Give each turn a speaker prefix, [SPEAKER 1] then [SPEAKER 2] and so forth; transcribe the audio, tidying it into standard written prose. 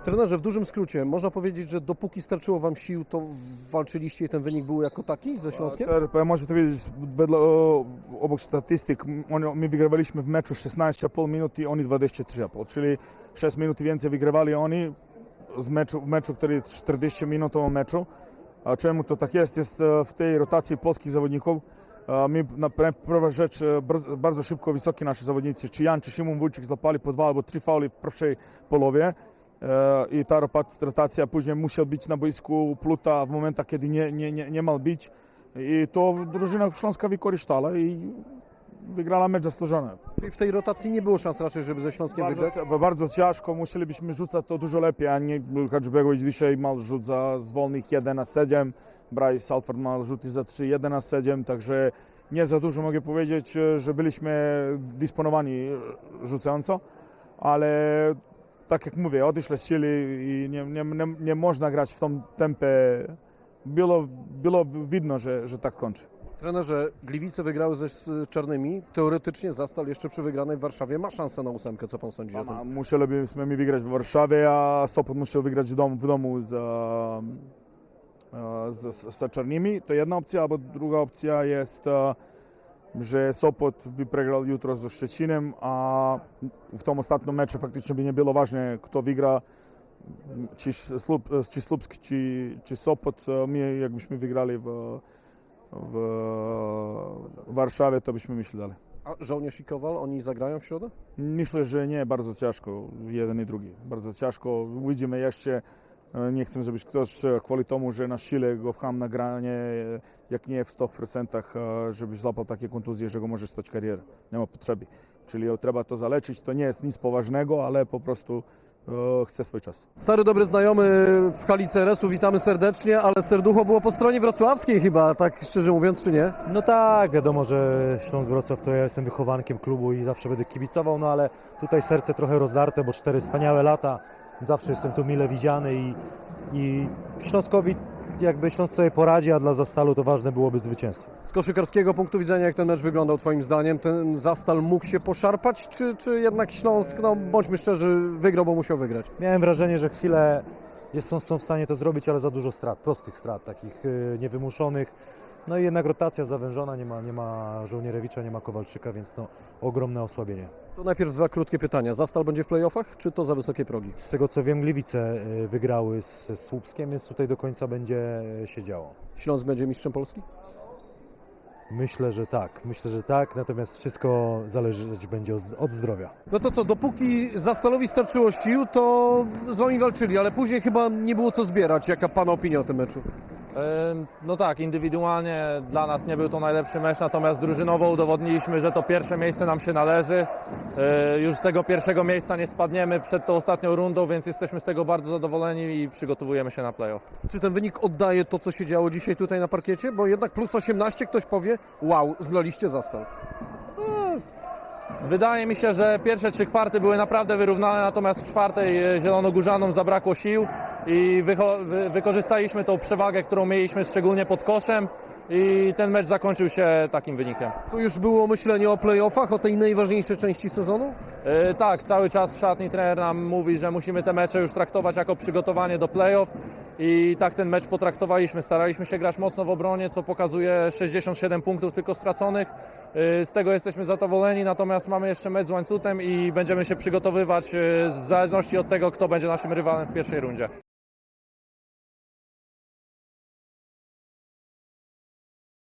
[SPEAKER 1] Trenerze, w dużym skrócie, można powiedzieć, że dopóki starczyło Wam sił, to walczyliście i ten wynik był jako taki ze Śląskiem?
[SPEAKER 2] Можете видеть, obok statystyk, my wygrywaliśmy w meczu 16,5 minut i oni 23,5, czyli 6 minut więcej wygrywali oni w meczu, który 40-minutowym meczu. A czemu to tak jest? Jest w tej rotacji polskich zawodników. My na pierwszą rzecz bardzo szybko wysoki nasi zawodnicy, czy Jan, czy Szymon Wójcik złapali po 2 albo 3 fauli w pierwszej połowie. I ta rotacja później musiała być na boisku Pluta w momentach, kiedy nie miał być. I to drużyna Śląska wykorzystała i wygrała mecz zasłużony.
[SPEAKER 1] Czyli w tej rotacji nie było szans raczej, żeby ze Śląskiem wygrać?
[SPEAKER 2] Bardzo ciężko, musielibyśmy rzucać to dużo lepiej, a nie Hadżbegović dzisiaj miał rzut z wolnych 1-7, Bryce Salford miał rzuty za 3, 1-7, także nie za dużo mogę powiedzieć, że byliśmy dysponowani rzucająco, ale tak jak mówię, odeszły siły i nie można grać w tym tempie. Było widno, że tak kończy.
[SPEAKER 1] Trenerze, Gliwice wygrały ze Czarnymi. Teoretycznie Zastal jeszcze przy wygranej w Warszawie ma szansę na 8. Co Pan sądzi o tym?
[SPEAKER 2] Musielibyśmy wygrać w Warszawie, a Sopot musiał wygrać w domu z Czarnymi. To jedna opcja, albo druga opcja jest, że Sopot by przegrał jutro ze Szczecinem, a w tym ostatnim meczu faktycznie by nie było ważne, kto wygra, czy Słupsk, czy Sopot. My jakbyśmy wygrali w Warszawie, to byśmy myśleli dalej.
[SPEAKER 1] A Żołnierz i Kowal, oni zagrają w środę?
[SPEAKER 2] Myślę, że nie, bardzo ciężko, jeden i drugi. Bardzo ciężko. Widzimy jeszcze, nie chcę, żebyś ktoś chwali temu, że na sile go pcham na granie, jak nie w 100%, żebyś złapał takie kontuzje, że go może stać karierę. Nie ma potrzeby. Czyli trzeba to zaleczyć, to nie jest nic poważnego, ale po prostu chce swój czas.
[SPEAKER 1] Stary, dobry znajomy w hali CRS-u, witamy serdecznie, ale serducho było po stronie wrocławskiej chyba, tak szczerze mówiąc, czy nie?
[SPEAKER 3] No tak, wiadomo, że Śląsk Wrocław to ja jestem wychowankiem klubu i zawsze będę kibicował, no ale tutaj serce trochę rozdarte, bo 4 wspaniałe lata, zawsze jestem tu mile widziany i Śląskowi jakby Śląsk sobie poradzi, a dla Zastalu to ważne byłoby zwycięstwo.
[SPEAKER 1] Z koszykarskiego punktu widzenia, jak ten mecz wyglądał Twoim zdaniem? Ten Zastal mógł się poszarpać, czy jednak Śląsk, no bądźmy szczerzy, wygrał, bo musiał wygrać?
[SPEAKER 3] Miałem wrażenie, że chwilę są w stanie to zrobić, ale za dużo strat, prostych strat, takich niewymuszonych. No i jednak rotacja zawężona, nie ma Żołnierewicza, nie ma Kowalczyka, więc no ogromne osłabienie.
[SPEAKER 1] To najpierw 2 krótkie pytania. Zastal będzie w playoffach, czy to za wysokie progi?
[SPEAKER 3] Z tego co wiem, Gliwice wygrały ze Słupskiem, więc tutaj do końca będzie się działo.
[SPEAKER 1] Śląsk będzie mistrzem Polski?
[SPEAKER 3] Myślę, że tak, natomiast wszystko zależeć będzie od zdrowia.
[SPEAKER 1] No to co, dopóki Zastalowi starczyło sił, to z Wami walczyli, ale później chyba nie było co zbierać. Jaka Pana opinia o tym meczu?
[SPEAKER 4] No tak, indywidualnie dla nas nie był to najlepszy mecz, natomiast drużynowo udowodniliśmy, że to pierwsze miejsce nam się należy. Już z tego pierwszego miejsca nie spadniemy przed tą ostatnią rundą, więc jesteśmy z tego bardzo zadowoleni i przygotowujemy się na playoff.
[SPEAKER 1] Czy ten wynik oddaje to, co się działo dzisiaj tutaj na parkiecie? Bo jednak plus 18 ktoś powie, wow, zlaliście Zastal.
[SPEAKER 4] Wydaje mi się, że pierwsze 3 kwarty były naprawdę wyrównane, natomiast w czwartej Zielonogórzanom zabrakło sił i wykorzystaliśmy tą przewagę, którą mieliśmy szczególnie pod koszem i ten mecz zakończył się takim wynikiem.
[SPEAKER 1] Tu już było myślenie o playoffach, o tej najważniejszej części sezonu?
[SPEAKER 4] Tak, cały czas w szatni trener nam mówi, że musimy te mecze już traktować jako przygotowanie do playoff i tak ten mecz potraktowaliśmy. Staraliśmy się grać mocno w obronie, co pokazuje 67 punktów tylko straconych. Z tego jesteśmy zadowoleni, natomiast mamy jeszcze mecz z Łańcutem i będziemy się przygotowywać w zależności od tego, kto będzie naszym rywalem w pierwszej rundzie.